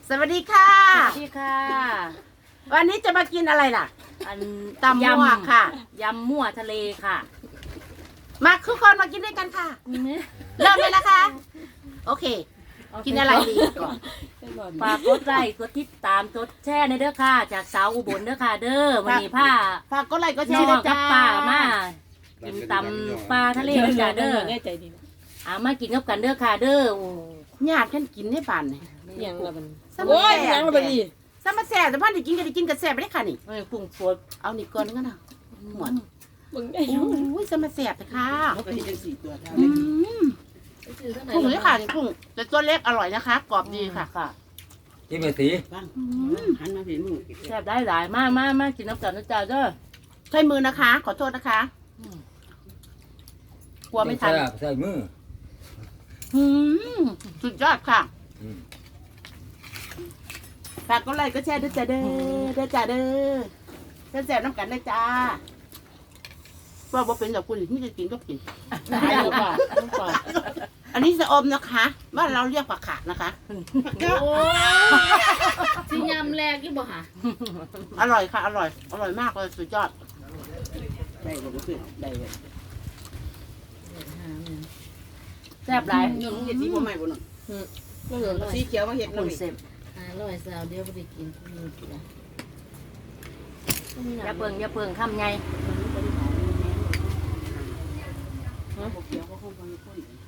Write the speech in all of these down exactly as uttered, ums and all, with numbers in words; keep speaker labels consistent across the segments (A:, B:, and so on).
A: สวัสดีค่ะ
B: สวัสดีค่ะ
A: วันนี้จะมากินอะไรล่ะ
B: อัน
A: ตำมั่วค่ะ
B: ยำมั่วทะเลค่ะ
A: มาทุกคนมากินด้วยกันค่ะเริ่มเลยนะคะโอเคกินอะไรดีก่อน
B: ฝากกดไลค์กดติดตามกดแชร์ในเด้อค่ะจากสาวอุบลเด้อค่ะเด้อวันนี้ผ้า
A: ฝากกดไลค์กดแช
B: น้อ
A: ร์ด้วย
B: งกั
A: จ้า
B: บป้ามากินตำปลาทะเลเด้อจ้าเด้ออ่ามากินกับกันเด้อค่ะเด้อโอ้
A: ญาติกันกินให้ป่านนี่
C: ยังละมัน
A: โอ้ย
C: ยังละมันอี
A: สมัแซ่แต่พ่อได้กินก็ได้กินกับแซ่ไปได้ค่ะนี่
B: ไม่ปรุงสด
A: เอานี่ก่อนก็นะหมด
C: มึงได้อ
A: โ
C: ยู่
A: ้ยสมัแซ่แต่ค่ะ
D: เขาก็เห็นจังสี่ตัวเท่า
A: อื
D: นั้น
A: มกุ้งนี่ค่ะนี่กุ้งแต่ตัวเล็กอร่อยนะคะกรอบดีค่ะ
B: ค่ะ
E: กินไปสี
D: บ้างหันมาเห็นมึง
B: แซ่บได้หลายมามามากินน้ำกันนะจ้าเด้อ
A: ใช้มือนะคะ ขอโทษนะคะกลัวไม่ทัน
E: ใส่มือ
A: อืมสุดยอดค่ะ
E: อืม
A: ฝากกดไลค์ก็แชร์ด้วยจ้าเด้อเด้อจ้าเด้อเด้อแซ่บน้ำกันได้จ้าว่าบ่เป็นแบบคุณที่จะกินก็กิน
C: ตายแล้วป่ะป่ะ
A: อันนี้สะอมนะคะบ้านเราเรียกผักขาดนะคะ
C: โอ้สิยำแรกยี่บ่หะ
A: อร่อยค่ะ อร่อย อร่อยมากเลยสุดยอด
D: ได้บ่ก็คือได้เลย
B: แซ่บหลาย
D: เงินมึงเฮ็ดสีบ่ใหม่บ่นั่น
C: ก็เหลือร้อย
D: สีเขียวมาเฮ็ด
B: คุ
D: นำ
B: ณ
D: อีก
B: เสพ
C: ห้าร้อยสาวเดียวบ่ได้กินมีกินละ
B: อย่าเปิงอย่าเปิงคำไง
D: บ่เขียวก็คงบ่มีคน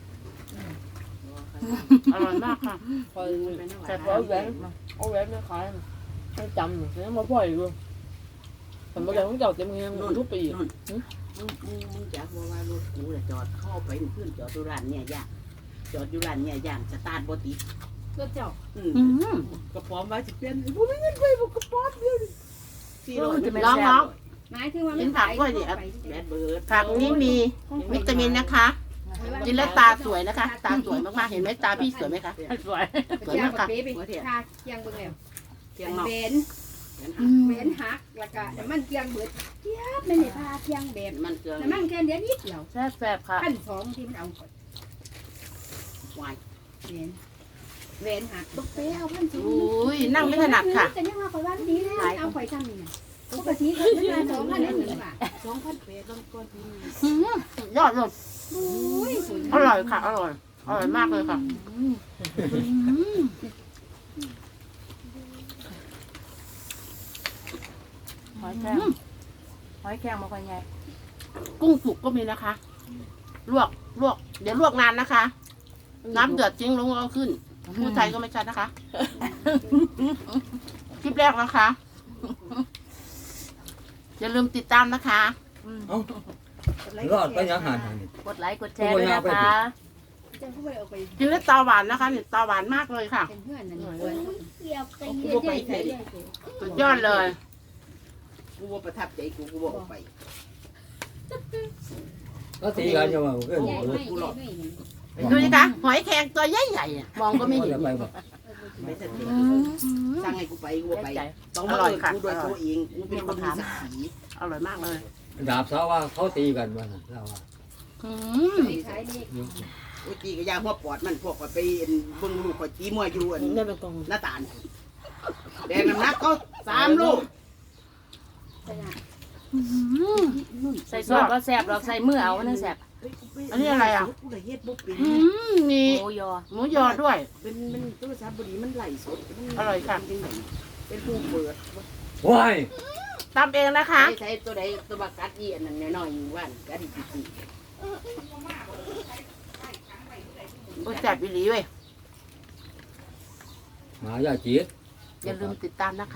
A: อร่อยมากค่ะ
C: คอยแต่พอแหวนเอาแหวนไม่ขายไม่จำเนี่ยมาปล่อยดูแต่เมื่อกี้ต้องเจ้าเต็มเงี้ยทุกปี
D: นู่นมึงมึงมึงจักบ่ว่ารถกูน่ะจอดเข้าไปมันขึ้นจอดอยู่ร้านเนี่ยย่างจอดอยู่ร้านเนี่ยย่างสตาร์ทบ่ติด
C: ก็เจ้า
D: อืม
A: อืม
D: กระป๋อมว่าสิเปลี่ยนบ่มีเงินไปบ่กระป๋อมเดียวนี่สี่ร้อย
A: น้องน้อง
C: หมายถึงว่า
A: กินผักด้วยดิ
D: แบดเบิร์ด
A: ผักนี้มีวิตามินนะคะ กินแล้วตาสวยนะคะ ตาสวยมากๆ เห็นไหมตาพี่สวยไหมคะ
B: สวย
A: สวยมากค่ะ
D: หัวเทียน
F: ทาเคียงเบิ่งแล้ว
D: เทียนเนาะ
F: เบนเบนหักแล้วก็น้ำมันเคียงเบิดเทียบไม่ได้ทาเคียงแบบ
D: มันเกลือ
F: น้ำมันแค่เดียวนิดเดียว
B: แซ่บแซ่บค่ะ
F: พันสองที่มันเอาก่อน
D: วาย
F: เบนเบนหักตกเป้เอาพันสอง
A: อุ้ยนั่งไม่ถนัดค่ะ
F: แต่ยังว่าข่อยว่าดีแล้วเอาข่อยทำนี่ปกติก็จะมาสองพันนั่นนี่ว่ะ
D: สองพันแปดต้องก้อนที่
A: อืมสุดยอดเลย
F: โอ้ยสวย
A: อร่อยค่ะ อร่อย อร่อยมากเลยค่ะอืม
B: หอยแครงหอยแครงมาคนไง
A: กุ้งสุกก็มีนะคะ ลวก ลวก เดี๋ยวลวกนานนะคะ น้ำเดือดจริงลงเอาขึ้น ผู้ไทยก็ไม่ชัดนะคะ คลิปแรกนะคะ อย่าลืมติดตามนะคะ
E: เอ้ารอดไปยังหันหันนี่
B: กดไลค์กดแชร์ด้วยนะคะ
F: จะพูดไปเอาไป
A: กินแล้วตาหวานนะคะเนี่ยตาหวานมากเลยค่ะ
F: เป็นเพื่อนนั่นเลยเกี่ยวไป
D: กู
F: เรื่
D: บ่ไป
F: อย
D: ใส่ดิ
A: สุดยอดเลย
D: กูบ่ประทับใจกูกูบ่ออกไป
E: ก็ตีกันจะว่าเอ้ย
F: ๆใหญ่ไม่
D: กู
F: ให
D: หล
F: ญ่
D: อก
F: ไม่
A: ดูสิคะหอยแครงตัวใหญ่ๆอะมองก็ไม่เห็น
E: ไปบ่
D: ไม่ทัน
A: อืม
D: สั่งให้กูไปกูบ่ไป
B: ใจ
D: ต้องมาเอิ้นกูด้วยตัวเองกูเป็นคนมีศักดิ์ศรี
A: อร่อยมากเลย
E: ดาบสาวว่าเขาตีกันว่าน่ะเราว่า
A: อืม
F: ใช้เด็ก
D: โอ้ยตีก็ยาหัวปอดมันพวกข่อยไปเบิ่งลูกข่อยตีมวยอยู่อัน
C: ได้เป็นกอง
D: หน้าตาลแดงน้ำหนักเขาสามลูก
B: ใส่ซอสก็แซ่บหรอกใส่มือเอานั่นแซ่บ
A: อันนี้อะไรอ่ะ
D: กูก็เฮ็ดบ่เป็น
A: อืมมี
B: โอยอ
A: หมูยอด้วย
D: เป็นมันโทรศัพท์บ่ดีมันไหลสดมัน
A: อร่อยค่ะ
D: เป็นไงเป็นผู้เปิด
E: ว้าย
A: ตำเองนะคะ
D: ใช้ใช้ตัวใดตัวบักกัดอีอันนั้นน้อยๆอยู่ว่านกัดอีกที
A: โอ้ยแซ่บอีหลีเว้ย
E: หมาย่าจีด
A: อย่าลืมติดตามนะคะ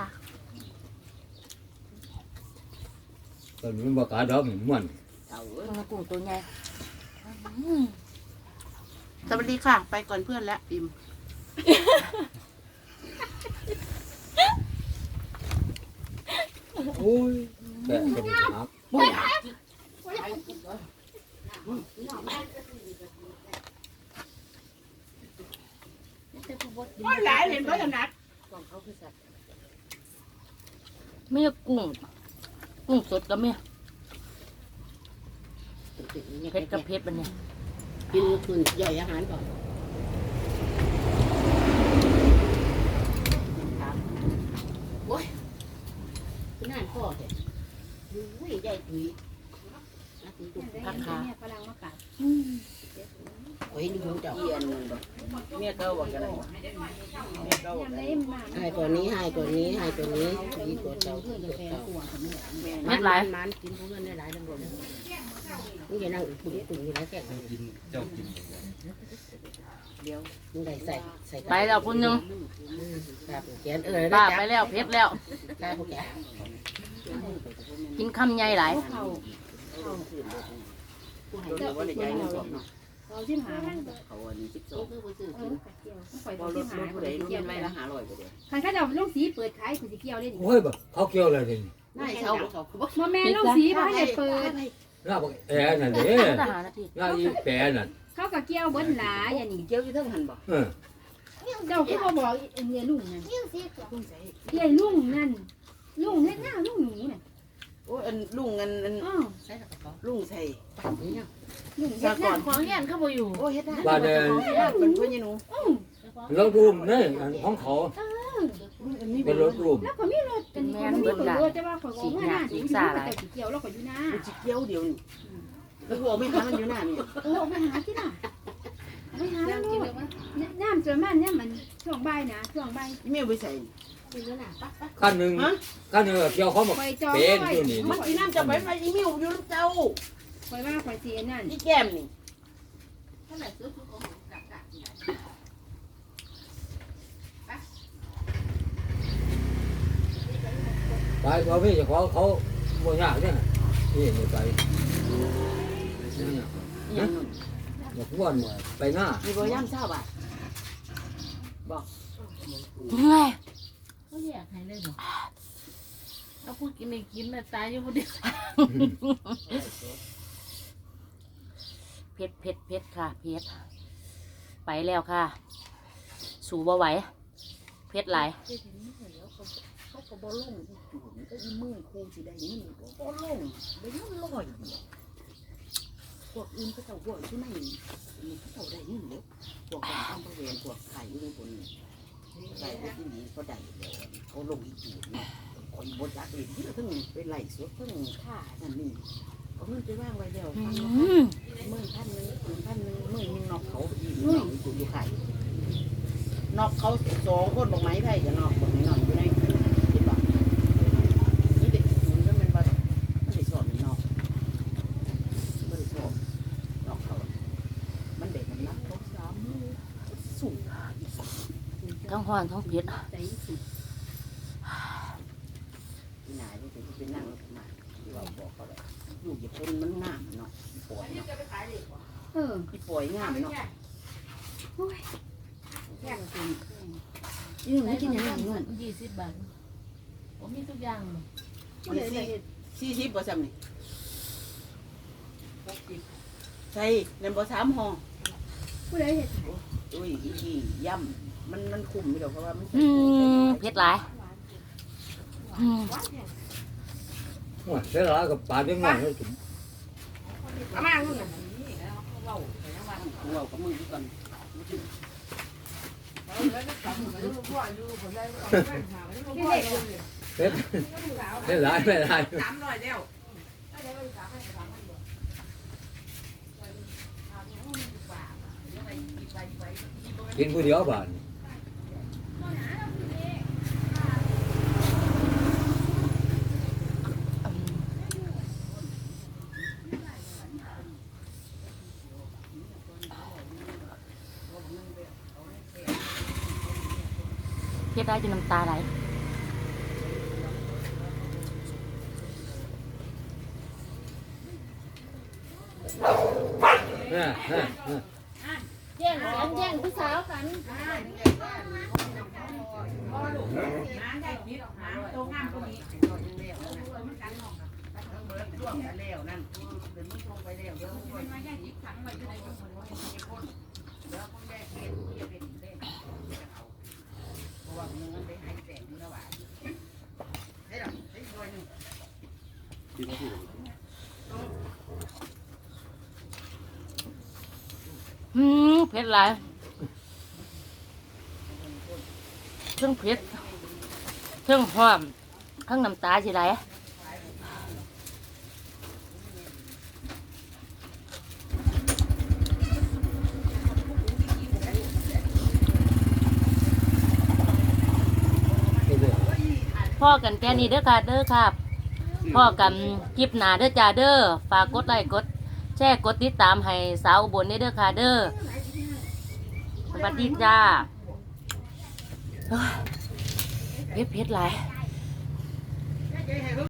E: ตอนนี้บ่กาดอกมันม่วน
D: เอาเอ้ย
B: กุ้งตัวใหญ่
A: สวัสดีค่ะ ไปก่อนเพื่อนแล้วอิม
E: โอ้ยแกะเป็นหัก
A: ปุ้ย ก็หลายเห็นเพราะอย่างนั้น
B: ไม่กุ้งกุ้งสดก็ไม่เผ็ดกับเผ็ดมันเนี่ย
D: กินคืนย่อยอาหารก่อนตุ้ยอาตุ้ยตุ้ย
F: พักขาฝรั่งมากัด
D: โอ้ยนี่ของเจ้าเอียนมันบ่เมียเก่าว่ากันได้เมียเก่าว่า
F: ยัง
D: กัน
F: ได้มา
D: ให้ตัวนี้ให้ตัวนี้ให้ตัวนี้ดีตัวเก่าตัวเก่า
B: เม็ดหลาย
D: มันกินพวกนั้นได้หลายทั้งหมดนี่จะนั่งปุ่นปุ่นอยู่แล้วแค่
E: กินเจ้ากิน
D: เดียวมึงได้ใส่ใส่
B: ไปแล้วคนหนึง
D: ครับแกนเออ
B: ป้าไปแล้วเพชรแล้ว
D: ได้พวกแก
B: กินคำใหญ่หลาย
F: เขา
D: ผู้ให้ตัวว่าได้ใจมันสดเนาะ
F: เราชิมหา
D: เขาอันนี้สิบสองคือผู้ซื้อ
F: เอ
D: กิ
F: อน เกี่ยวต้องปล่อย
D: พอ
F: เรา
D: ร
F: ชิ
D: ถ
F: ม
D: ร
F: หา
D: ถผู้ใดรู้ไม่ละหาร้อยก็ได้
F: คันเขาจะลูกสีเปิดขายคือสิเกี่ยวเลย
E: โอ้ยบ่เขาเกี่ยวอะไรนี่
D: นายเช่าเขาเขาบอก
F: บ่แม่ลูกสีบ่ให้เปิด
E: ลาบแอร์นั่นเด้
B: ทหารนาที
E: ลาอีแปรนั่น
F: เขาก็เกี่ยวเบิ้ลหลาอย่างนี้
D: เกี่ยวอยู่ทั้งหันบ่
E: เออ
F: เจ้าคือบ่บอกเมียลุงนั่น
D: ลุงใส่
F: เมียลุงนั่นลุงเฮ็ดหน้าลุงหนูน่ะ
D: โอ้อันลุงอันอัน
F: อ้อ
D: ลุงใส่ปั่นนี่ยัง
F: ลุงเฮ็ดหน้า
B: ของเงี้ยเขาบ่อยู่
D: โอ้เฮ็ดได้เป็นเพื่อนยหนู
E: รถรูมนี่อันของเขา
D: อันนี้
E: เป็นรถรูม
F: แล้วก็มีรถเป็นคนมีคนรถแต่ว่าข่อยก็ว่าหน้าสิอยู่แต่สิเกี่ยวแล้วก็อยู่หน้า
D: มันจิเกี่ยวเดียวนี่แล้วหัวไม่หามันอยู่หน้านี่
F: เออไปหาที่ล่ะไปหาแล้วลูกน้ำจนมันเนี่ยมันช่วงบ่ายนะช่วงบ่าย
D: แม่ไปใส่
F: ซื้อน่ะปั๊บปั๊บ
E: ขั้นหนึ่งขั้นหนึ่งเกี่ยวเขาบอก
F: ไปจอง
E: เป็น
F: ไว้
E: อยู่นี่
D: มันกินน้ำจะไปไปอีมิวอยู่น้ำเจ้า
F: คอยว่าคอยเสียนั่น
D: อีแก้มนี่
E: ไปเอาพี่จะขอเขาบ่ยากเนี่ยนี่นี่ไปนี่
D: ยังนู่น
E: อยากว่านไปหน้า
D: มีบ่ย่ำเช้าบ่ะบอก
B: เฮ้ย
C: เขาอยากให้เลยบ่เอาพูดกินไม่กินน่ะตายอยู่บ่เดียว
B: เพชรเพชรเพชรค่ะเพชรไปแล้วค่ะ สู่บ่ไหวเพชรหลาย
D: เขาก็บ่ลงจูนก็อีมือครูสิได้นี่บ่ลงได้เงินร้อยพวกอื่นเขาเจ้าพวกที่ไหนมันเขาเจ้าได้เงินเด้อพวกการทำบริเวณพวกไข่อยู่ในบนไข่ที่นี่เขาได้แล้วเขาลงอีกจูนเนาะคนบนจักเลยที่ทั้งไปไล่สวดทั้งฆ่านั่นนี่เอาเงินไปว่างไว้แล้ว
B: อื
D: ฟัง
B: ม
D: มื่อพันหนึ่งมื่อพันหนึ่งมื่อยิงนอกเขาอีกนอกอยู่อยู่ไข่นอกเขาสองคนบอกไม้ไผ่กับนอกบอกไม้นอกอยู่ในคิดว่านี่เด็กมันก็เป็นบ้านมันได้สอนนอกมันได้สอนนอกเขามันเด็กมันนักเขาสามมือสูงอีกสาม
B: ทั้งห้อนทั้งเพชร
F: ใจสุด
D: ที่ไหนที่เป็นที่เป็นนั่งแล้วมาที่ว่าบอกเขาเลยอยู่อย่าเป็นมันงามเนาะปล่อยเนาะ
F: เออ
D: ที่ปล่อยงามเนาะ
F: โอ้ยแค่กิน
D: ยืนไม่กินอย่างนั้นเงิน
C: ยี่สิบบาทผมมีทุกอย่าง
F: ผู้ใดได้
D: สี่สิบเปอร์เซ็นต์นี่ใช่เงินบ่สามห้อง
F: ผู้ใดเฮ็ด
D: อุ้ยอีกทีย่ำมันมันคุ้มอยู่ดอกเพราะว่ามัน
B: อืมเพชรหลายอืม
E: ว่าเสียหลายกับปลาเลี้ยงง่ายเลยจุ๋ม
D: เอามาคุณน่ะเว้าเว้ากับมือดีก่อน
F: ที่เด็ก
E: เสียเสียหลายไม่หลายกินผู้เดียวบ้าน
B: เพชรได้จนน้ำตาไหล
E: เนี่ยเนี่ยเนี่ย
F: แย่งกันแย่งผู้สาวกัน
D: แล้วนั่นเดินมันลงไปแล้วเดี๋ยวมันมาแยกอีกครั้งไว้อยู่ในคนคนคนแล้วคนแรกเรียนเรียนเป็นเล่นเพราะว่ามันมันไปหายแสงอยู่แล้วว่าได้หรอได้รวยหนึ่ง
B: อืมเพชรหลายเครื่องเพชรเครื่องหอมเครื่องน้ำตาสิไหลพ่อกันแค่นี้เด้อค่ะเด้อค่ะพ่อกันคลิปหน้าเด้อจ้าเด้อฝากกดไลค์กดแชร์กดติดตามให้สาวอุบลเด้อค่ะเด้อสวัสดีจ้าเฮ้ยเผ็ดเผ็ดหลาย